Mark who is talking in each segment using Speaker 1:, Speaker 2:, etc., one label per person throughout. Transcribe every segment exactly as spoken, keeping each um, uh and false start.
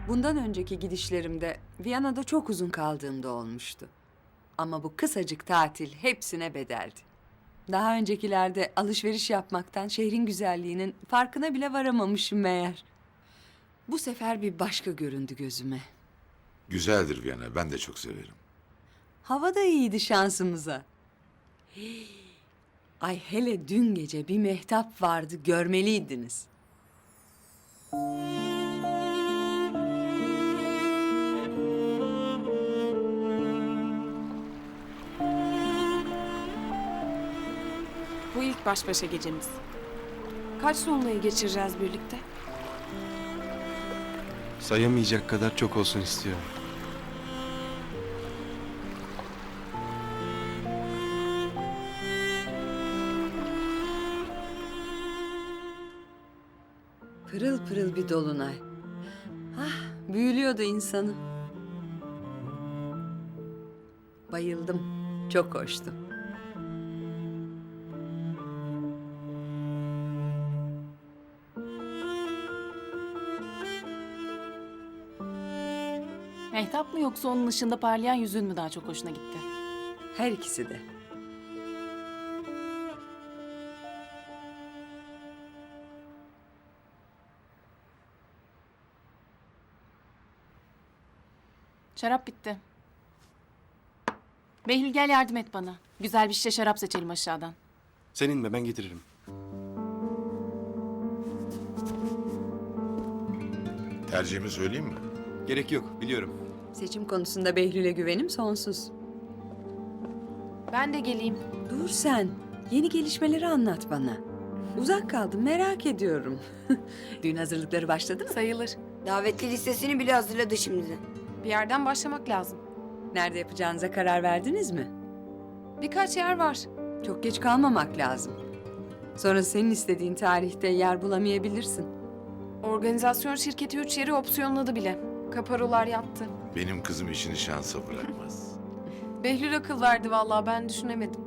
Speaker 1: Bundan önceki gidişlerimde Viyana'da çok uzun kaldığımda olmuştu. Ama bu kısacık tatil hepsine bedeldi. Daha öncekilerde alışveriş yapmaktan şehrin güzelliğinin farkına bile varamamışım meğer. Bu sefer bir başka göründü gözüme.
Speaker 2: Güzeldir Viyana, ben de çok severim.
Speaker 1: Hava da iyiydi şansımıza. Hii. Ay hele dün gece bir mehtap vardı, görmeliydiniz.
Speaker 3: Bu ilk baş başa gecemiz. Kaç sonrayı geçireceğiz birlikte?
Speaker 4: Sayamayacak kadar çok olsun istiyorum.
Speaker 1: Pırıl pırıl bir dolunay. Ah, büyülüyordu insanı. Bayıldım, çok hoştu.
Speaker 5: Mehtap mı yoksa onun ışığında parlayan yüzün mü daha çok hoşuna gitti?
Speaker 1: Her ikisi de.
Speaker 5: Şarap bitti. Behlül gel yardım et bana. Güzel bir şişe şarap seçelim aşağıdan.
Speaker 4: Senin mi? Ben getiririm.
Speaker 2: Tercihimi söyleyeyim mi?
Speaker 4: Gerek yok, biliyorum.
Speaker 1: Seçim konusunda Behlül'e güvenim sonsuz.
Speaker 3: Ben de geleyim.
Speaker 1: Dur sen, yeni gelişmeleri anlat bana. Uzak kaldım, merak ediyorum. Düğün hazırlıkları başladı mı?
Speaker 3: Sayılır.
Speaker 6: Davetli listesini bile hazırladı şimdiden.
Speaker 3: Bir yerden başlamak lazım.
Speaker 1: Nerede yapacağınıza karar verdiniz mi?
Speaker 3: Birkaç yer var.
Speaker 1: Çok geç kalmamak lazım. Sonra senin istediğin tarihte yer bulamayabilirsin.
Speaker 3: Organizasyon şirketi üç yeri opsiyonladı bile. Kaparolar yattı.
Speaker 2: Benim kızım işini şansa bırakmaz.
Speaker 3: Behlül akıl verdi vallahi, ben düşünemedim.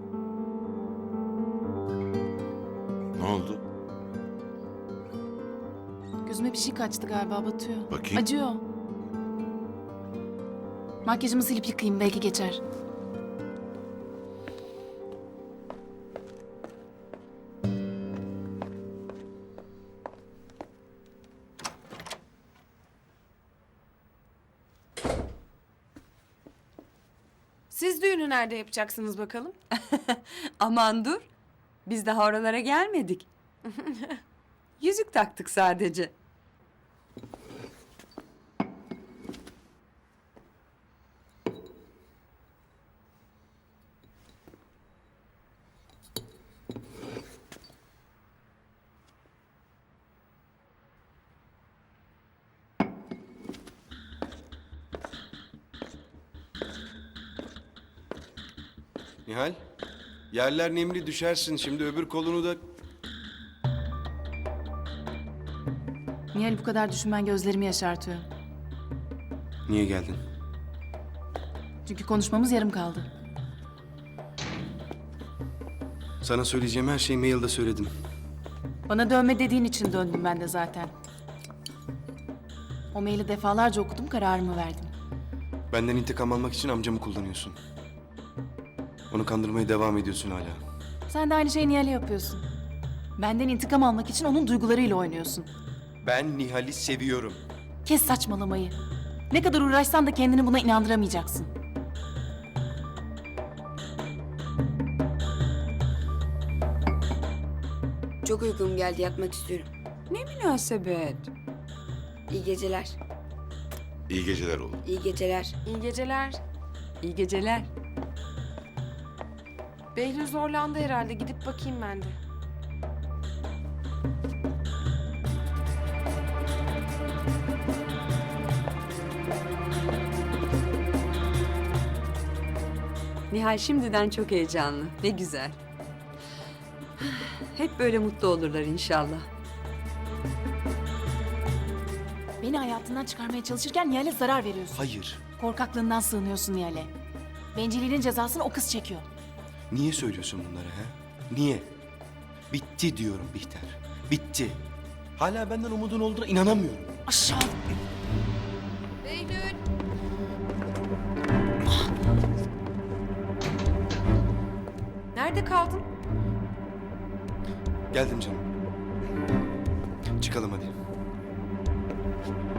Speaker 2: Ne oldu?
Speaker 5: Gözüme bir şey kaçtı galiba, batıyor.
Speaker 2: Bakayım.
Speaker 5: Acıyor. Makyajımı silip yıkayayım, belki geçer.
Speaker 3: Siz düğünü nerede yapacaksınız bakalım?
Speaker 1: Aman dur, biz daha oralara gelmedik. Yüzük taktık sadece.
Speaker 4: Nihal, yerler nemli, düşersin. Şimdi öbür kolunu da...
Speaker 5: Nihal, bu kadar düşünmen gözlerimi yaşartıyor.
Speaker 4: Niye geldin?
Speaker 5: Çünkü konuşmamız yarım kaldı.
Speaker 4: Sana söyleyeceğim her şeyi mailde söyledim.
Speaker 5: Bana dönme dediğin için döndüm ben de zaten. O maili defalarca okudum, kararımı verdim.
Speaker 4: Benden intikam almak için amcamı kullanıyorsun. Onu kandırmaya devam ediyorsun hala.
Speaker 5: Sen de aynı şeyi Nihal'e yapıyorsun. Benden intikam almak için onun duygularıyla oynuyorsun.
Speaker 4: Ben Nihal'i seviyorum.
Speaker 5: Kes saçmalamayı. Ne kadar uğraşsan da kendini buna inandıramayacaksın.
Speaker 6: Çok uykum geldi, yatmak istiyorum.
Speaker 1: Ne münasebet.
Speaker 6: İyi geceler.
Speaker 2: İyi geceler oğlum.
Speaker 6: İyi geceler.
Speaker 3: İyi geceler.
Speaker 1: İyi geceler.
Speaker 3: Behlül zorlandı herhalde. Gidip bakayım ben de.
Speaker 1: Nihal şimdiden çok heyecanlı. Ne güzel. Hep böyle mutlu olurlar inşallah.
Speaker 5: Beni hayatından çıkarmaya çalışırken Nihal'e zarar veriyorsun.
Speaker 4: Hayır.
Speaker 5: Korkaklığından sığınıyorsun Nihal'e. Bencilliğinin cezasını o kız çekiyor.
Speaker 4: Niye söylüyorsun bunları ha? Niye? Bitti diyorum Bihter. Bitti. Hala benden umudun olduğuna inanamıyorum.
Speaker 5: Aşağılık.
Speaker 3: Nerede kaldın?
Speaker 4: Geldim canım. Çıkalım hadi.